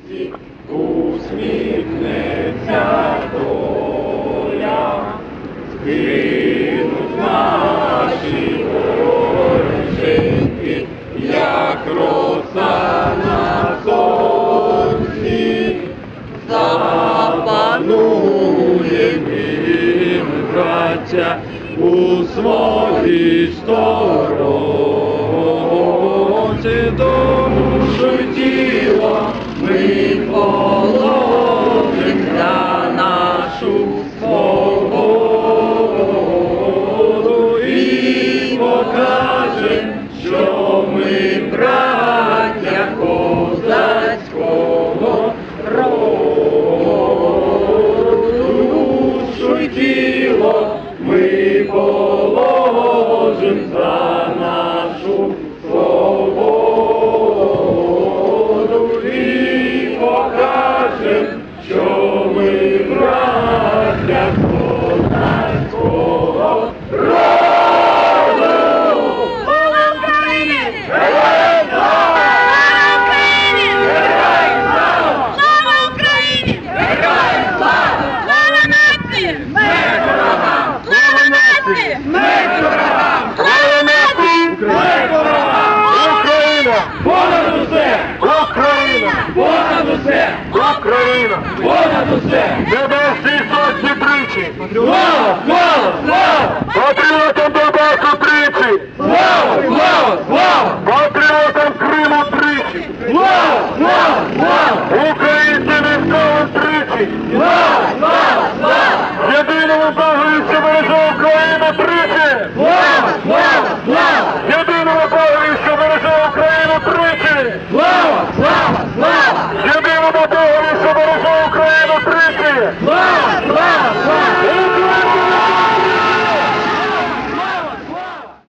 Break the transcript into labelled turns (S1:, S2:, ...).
S1: світі усміхнеться доля, згинуть наші вороженьки, як роса на сонці, запануєм ми, браття, у своїй сторонці, душу й тіло ми положим за нашу свободу і покажем, що ми браття козацького роду. Душу й тіло ми положим за нашу свободу і покажем, що ми браття козацького роду.
S2: Слава Україні!
S1: Героям слава!
S2: Героям слава! Слава Україні!
S1: Героям слава!
S2: Слава нації!
S1: Смерть ворогам!
S2: Слава нації!
S1: Смерть ворогам!
S2: Слава нації!
S1: Смерть ворогам!
S3: Україна!
S1: Понад усе!
S3: Україна!
S1: Понад усе!
S3: Україна!
S1: Понад усе!
S3: Небесні сотні тричі!
S1: Слава! Слава! Слава!
S3: Патріотам Донбасу тричі!
S1: Слава! Слава! Слава!
S3: Патріотам Криму тричі!
S1: Слава! Слава! Слава!
S3: Українцям військовим тричі!
S1: Слава! Слава! Слава!
S3: Єдиному Богові, що береже Україну тричі!
S1: Слава! Слава! Слава!
S3: Єдиному Богові, що береже Україну тричі!
S1: Слава! Слава! Слава!
S3: Єдиному Богові, що береже Україну тричі!
S1: Слава!